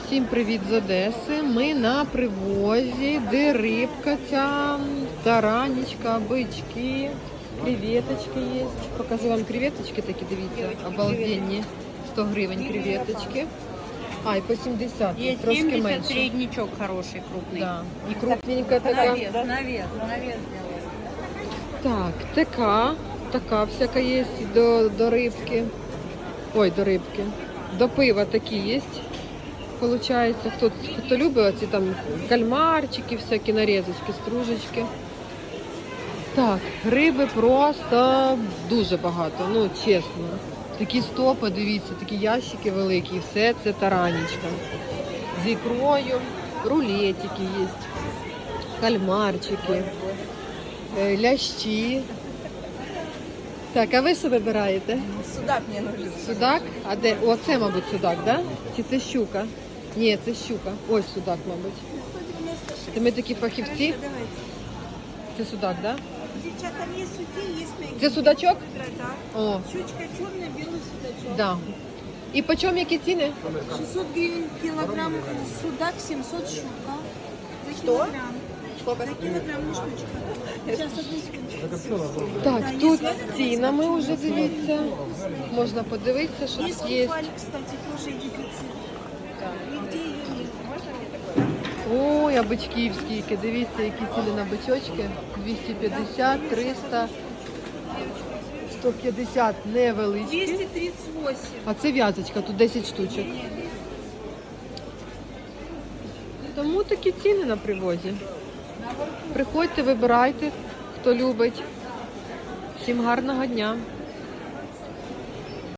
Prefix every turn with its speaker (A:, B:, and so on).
A: Всім привіт з Одеси. Ми на привозі, де рибка ця, таранечка, бички, креветочки є. Покажу вам креветочки такі, дивіться, обалденні. 100 гривень креветочки. А, і по 70,
B: Есть
A: трошки
B: 70,
A: менше.
B: среднячок хороший, крупный.
A: Да. І крупненька така.
B: Навес
A: Так, така всяка є до рибки. Ой, до рибки. До пива такі є. Получається, хто любить оці там кальмарчики, всякі нарізочки, стружечки. Так, риби просто дуже багато, ну чесно. Такі стопи, дивіться, такі ящики великі, все це таранечка. З ікрою, рулетики є, кальмарчики, лящі. Так, а ви що вибираєте?
B: Судак мне нужен.
A: Судак? А де? Оце, мабуть, судак, да? Чи це щука? Ні, це щука. Ось судак, мабуть. Це ми такі фахівці. Це судак, да?
C: Девчата, там есть судьи, есть мягкие.
A: Це судачок?
C: Да.
A: О,
C: Щучка черная, белый судачок.
A: да. І по чому які ціни?
C: 600 гривен килограмм судак, 700 щука. За килограмм.
B: Сколько?
C: За килограмм не штучка. Сейчас, одну секундочку.
A: Так, тут з цінами вже дивіться. Можна подивитися, що
C: Есть
A: тут є.
C: кефаль, кстати, тоже дефицит. Нигде ее нет.
A: Ой, а бичків скільки. Дивіться, які ціни на бичочки. 250, 300, 150 невеличкі.
C: 238.
A: А це в'язочка, тут 10 штучок. Тому такі ціни на привозі. Приходьте, вибирайте, хто любить. Всім гарного дня.